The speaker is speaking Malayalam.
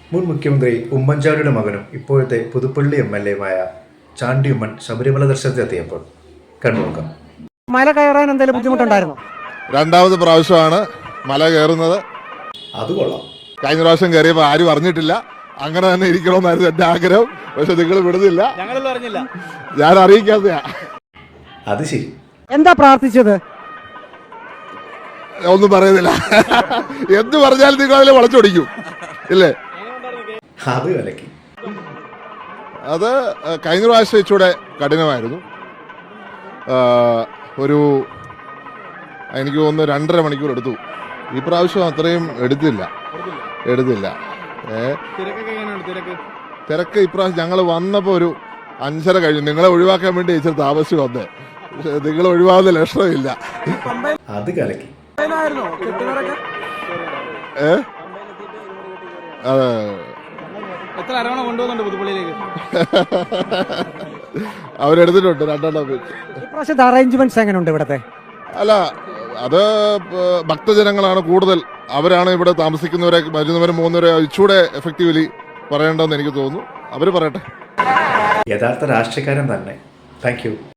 മുൻ മുഖ്യമന്ത്രി ഉമ്മൻചാണ്ടിയുടെ മകനും ഇപ്പോഴത്തെ പുതുപ്പള്ളി MLA-യുമായ ചാണ്ടി ഉമ്മൻ ശബരിമല ദർശനത്തിനെത്തിയപ്പോൾ കണ്ടുനോക്കാം. മല കയറാൻ എന്തെങ്കിലും ബുദ്ധിമുട്ടുണ്ടായിരുന്നു? രണ്ടാമത് പ്രാവശ്യമാണ് മല കയറുന്നത്. അത് കൊള്ളാം. കഴിഞ്ഞ പ്രാവശ്യം കയറിയപ്പോൾ ആരും അറിഞ്ഞിട്ടില്ല. അങ്ങനെ തന്നെ ഇരിക്കണമെന്നായിരുന്നു എൻ്റെ ആഗ്രഹം. പക്ഷെ നിങ്ങൾ വിടുന്നില്ല, ഞാൻ അറിയിക്കാത്തയാ. അത് ശരി. എന്താ പ്രാർത്ഥിച്ചത്? ഒന്നും പറയുന്നില്ല. എന്ത് പറഞ്ഞാലും നിങ്ങൾ അതിൽ വളച്ചൊടിക്കും ഇല്ലേ? അത് വിലക്കി. അത് കഴിഞ്ഞ പ്രാവശ്യം ഇച്ചൂടെ കഠിനമായിരുന്നു. ഒരു എനിക്ക് തോന്നുന്നു 2.5 മണിക്കൂർ എടുത്തു. ഈ പ്രാവശ്യം അത്രയും എടുത്തില്ല. തിരക്ക് ഇപ്രാവശ്യം ഞങ്ങൾ വന്നപ്പോൾ ഒരു 5:30 കഴിഞ്ഞു. നിങ്ങളെ ഒഴിവാക്കാൻ വേണ്ടി ഇച്ചിരി താമസിച്ച് വന്നേ. പക്ഷെ നിങ്ങൾ ഒഴിവാകുന്ന ലക്ഷണമില്ല. അത് കലക്കി. അതെ, അവരെടുത്തിട്ടുണ്ട് 2 അറേഞ്ച്മെന്റ്സ് എങ്ങനെയുണ്ട് ഇവിടത്തെ? അല്ല, അത് ഭക്തജനങ്ങളാണ് കൂടുതൽ. അവരാണ് ഇവിടെ താമസിക്കുന്നവരെ, വരുന്നവരും പോകുന്നവരെ ഇച്ചൂടെ എഫക്റ്റീവ്ലി പറയേണ്ടതെന്ന് എനിക്ക് തോന്നുന്നു. അവർ പറയട്ടെ. യഥാർത്ഥ രാഷ്ട്രീയക്കാരൻ തന്നെ. Thank U.